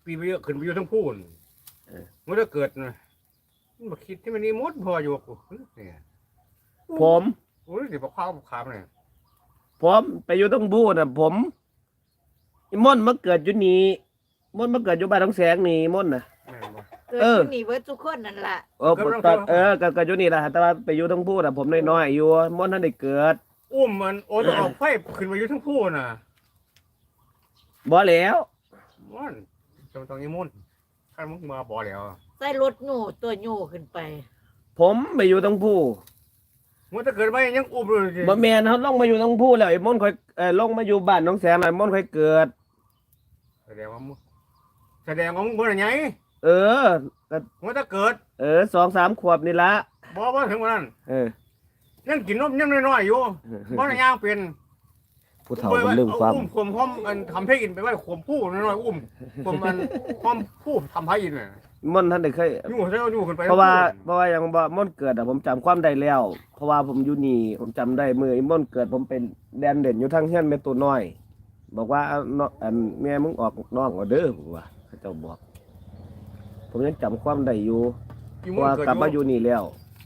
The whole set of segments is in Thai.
ปีไปเยอะขึ้นไปอยู่ทั้งพูนมันจะเกิดนะมันมาคิดที่มันนี่มดพออยู่กูเนี่ยผมโอ้ยเดี๋ยวบอกข้าวบอกขามเนี่ยผมไปอยู่ต้องบูน่ะผมอีม่อนมาเกิดอยู่นี่ม่อนมาเกิดอยู่บ้านน้องแสงนี่ม่อนน่ะเกิดที่นี่เบิดทุกคนนั่นล่ะตอนเกิดอยู่นี่ล่ะแต่ว่าไปอยู่ต้องบูน่ะผมน้อยๆอยู่ม่อนท่านได้เกิดอุ้มมันโอ้ต้องเอาไฟขึ้นมาอยู่ทั้งพูนน่ะบ่แล้วม่อนจำตรงนี้มุ่นข้ามึงมาบ่แล้วใส่รถหนูตัวหนูขึ้นไปผมไปอยู่ต้องบูมันจะเกิดไหมยังอุ้มเลยบ่แม่นเฮาลงมาอยู่ต้องบูแล้วไอ้ม่อนค่อยลงมาอยู่บ้านน้องแสงแล้วม่อนค่อยเกิดแสดงว่ามึงบ่ได้ไงเออมันจะเกิด 2-3 ขวบนี่ละบ่ถึงวันนั้นยังกินนมยังน้อยๆอยู่บ่ได้ย่างเป็นผู้เฒ่ามันลืมความอุ้มข่มห้อมกันทำให้อินไปว่าข่มผู้น้อยๆอุ้มข่มมันห้อมผู้ทำให้อินน่ะม่อนท่านได้เคยอยู่ขึ้นไปเพราะว่ายังบ่ม่อนเกิดผมจำความได้แล้วเพราะว่าผมอยู่นี่ผมจำได้มื้อม่อนเกิดผมเป็นแดนเด่นอยู่ทางเฮียนแม่ตัวน้อยบอกว่าแม่มึงออกน้องเอาเด้อผมว่าเขาเจ้าบอกผมยังจำความได้อยู่เพราะว่ากลับมาอยู่นี่แล้ว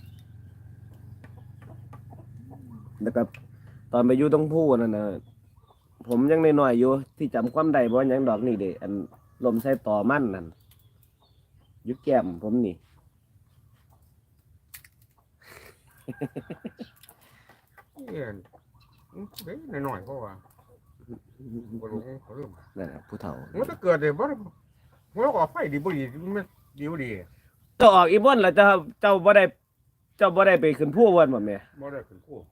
แล้วก็ตอนไปอยู่ตรงผู้นั่นน่ะผมยังน้อยๆอยู่ที่จำความได้บ่ยังดอกนี่เด้อันลมใส่ต่อมันนั่นอยู่แก้มผมนี่หน่อยเพราะว่าบ่รู้เขาเริ่มนั่นน่ะผู้เฒ่ามันจะเกิดเลยบ่มันออกไฟดีบ่ดีมันดีบ่ดีก็ออกอีบ่นแล้วเจ้าบ่ได้ไปขึ้นผู้วันบ่แม่บ่ได้ขึ้นผู้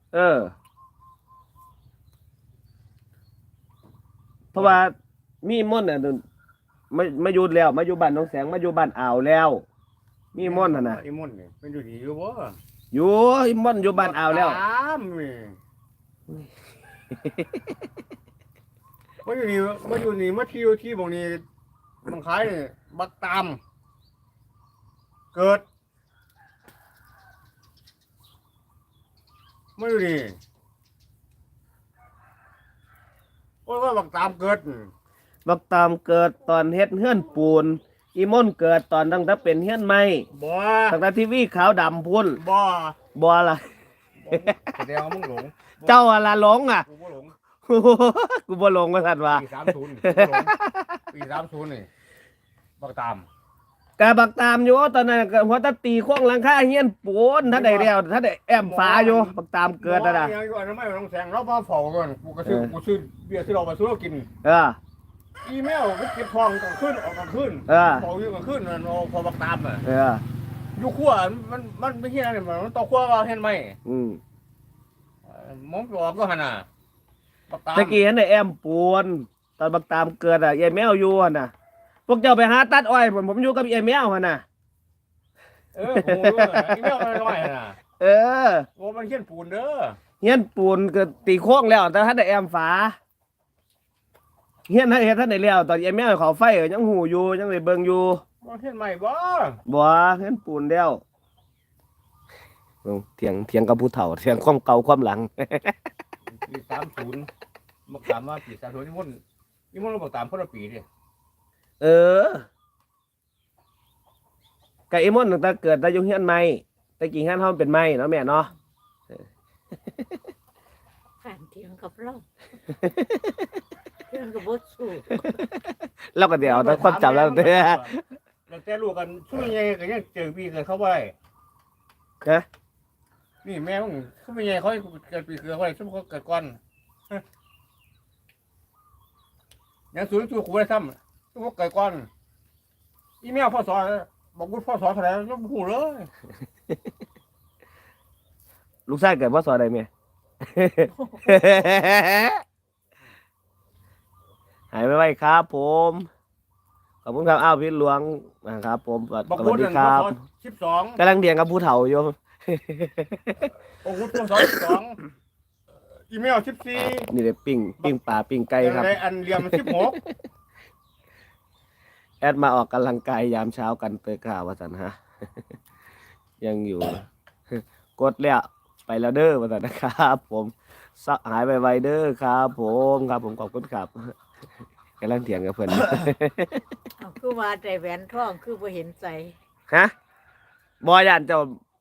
เพราะว่ามีม่อนน่ะมาอยู่แล้วมาอยู่บ้านน้องแสงมาอยู่บ้านอ่าวแล้วมีม่อนน่ะนะอีม่อนนี่มันอยู่ดีอยู่บ่อยู่อีม่อนอยู่บ้านอ่าวแล้วมาอยู่นี่มาที่บ่นี้มันขายนี่บักตามเกิดมาอยู่นี่ว่าบักตามเกิดบักตามเกิดตอนเฮ็ดเฮือนปูนอีม่อนเกิดตอนตั้งแต่เป็นเฮือนไม้บ่ตั้งแต่ทีวีขาวดำพุ่นบ่ล่ะแสดงว่ามึงหลงเจ้าอะไรหลงอ่ะกูบ่หลงกูบ่หลงว่าซั่นว่าปี30นี่บักตามกะบักตามอยู่ตอนนั้นก็หัวตะตีโค้งหลังคาเฮียนปูนถ้าได้แล้วถ้าได้แอมฟ้าอยู่บักตามเกิดน่ะยังอยู่อันนั้นไม่ต้องแซงเรามาเฝ้าก่อนกูซื้อเบียร์ที่เรามาซื้อเรากินอีเมลก็เก็บทองกลางคืนออกกลางคืนเฝ้าอยู่กลางคืนน่ะพอบักตามอ่ะอยู่ขั้วมันไม่เฮียอะไรมันต่อขั้วว่าเห็นไหมมองออกก็หั่นน่ะบักตามตะกี้เห็นได้แอมปูนตอนบักตามเกิดอ่ะยายแมวอยู่หั่นน่ะพวกเจ้าไปหาตัดอ้อยผมอยู่กับไอ้แมวหั่นน่ะผมรู้ไอ้แมวน้อยๆน่ะโอ้มันเฮียนปูนเด้อเฮียนปูนก็ตีโค้งแล้วแต่ถ้าได้แอมฝาเฮียนเฮ็ดท่านได้แล้วตอนไอ้แมวเขาไฟยังหูอยู่ยังได้เบิ่งอยู่บ่เฮียนใหม่บ่เฮียนปูนแล้วเถียงกับผู้เฒ่าเถียงความเก่าความหลังปี30บักตามว่าปี30นี่มันบักตามคนละปีดิกะไอ้ม่อนตั้งแต่เกิดได้อยู่เฮียนใหม่แต่กี่เฮียนเฮาเป็นไม้เนาะแม่เนาะผ่านเถียงกับเราเถียงกับบ่สู้เราก็เดี๋ยวแต่ความจำแล้วเด้อแล้วแต่ลูกกันช่วยยังก็ยังเจอปีเกิดเขาบ่ได้นี่แม่มึงเขาเป็นยังเขาเกิดปีเกิดเขาได้ซุ่มเขาเกิดก่อนยังสูงตัวขู่ได้ซ้ำซุ่มเขาเกิดก่อนอีเมลพ่อสอนบอกกูพ่อสอนเท่าไหร่ยังหูเลยลูกชายเกิดพ่อสอนอะไรเมียหายไปไว้ครับผมขอบคุณครับอ้าวพี่หลวงนะครับผมสวัสดีครับกำลังเดียงกับผู้เฒ่าอยู่โอ้โหพ่อสอน12อีเมล14 นี่เลยปิ้งปลาปิ้งไก่ครับอันเรียม16 แอดมาออกกำลังกายยามเช้ากันเตยข่าวว่าสันฮะยังอยู่กดแล้วไปแล้วเด้อว่าสันนะครับผมหายไปไวเด้อครับผมขอบคุณครับกำลังเถียงกับเพิ่นเอาคือว่าใจแหวนทองคือบ่เห็นใจฮะบ่ย่านเจ้า